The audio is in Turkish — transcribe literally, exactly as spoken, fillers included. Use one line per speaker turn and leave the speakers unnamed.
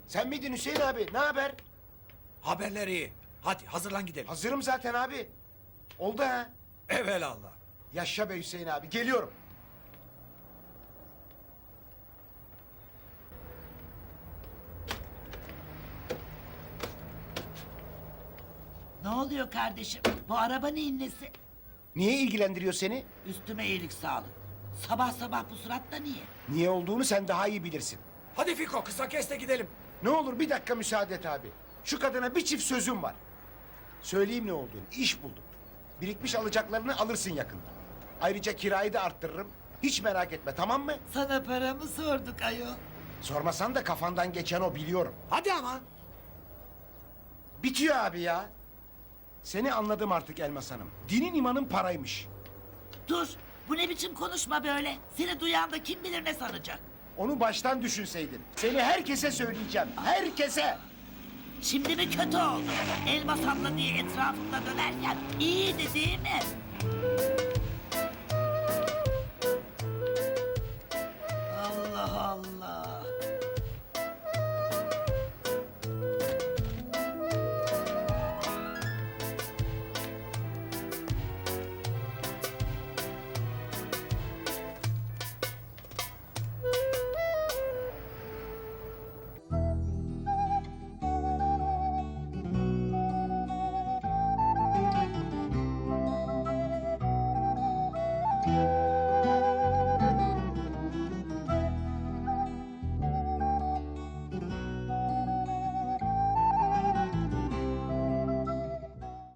Sen miydin Hüseyin abi? Ne haber?
Haberleri iyi. Hadi hazırlan gidelim.
Hazırım zaten abi. Oldu ha.
Evelallah.
Yaşa be Hüseyin abi. Geliyorum.
Ne oluyor kardeşim? Bu araba neyin nesi?
Niye ilgilendiriyor seni?
Üstüme iyilik sağlık. Sabah sabah bu suratla niye?
Niye olduğunu sen daha iyi bilirsin.
Hadi Fiko kısa kes de gidelim.
Ne olur bir dakika müsaade et abi. Şu kadına bir çift sözüm var. Söyleyeyim ne olduğunu. İş buldum. Birikmiş alacaklarını alırsın yakında. Ayrıca kirayı da arttırırım. Hiç merak etme, tamam mı?
Sana paramı sorduk ayol.
Sormasan da kafandan geçen o, biliyorum.
Hadi ama.
Bitiyor abi ya. Seni anladım artık Elmas Hanım. Dinin imanın paraymış.
Dur, bu ne biçim konuşma böyle? Seni duyan da kim bilir ne sanacak?
Onu baştan düşünseydin. Seni herkese söyleyeceğim. Herkese.
Şimdi mi kötü oldu? Elmas abla diye etrafımda dönerken iyiydi değil mi?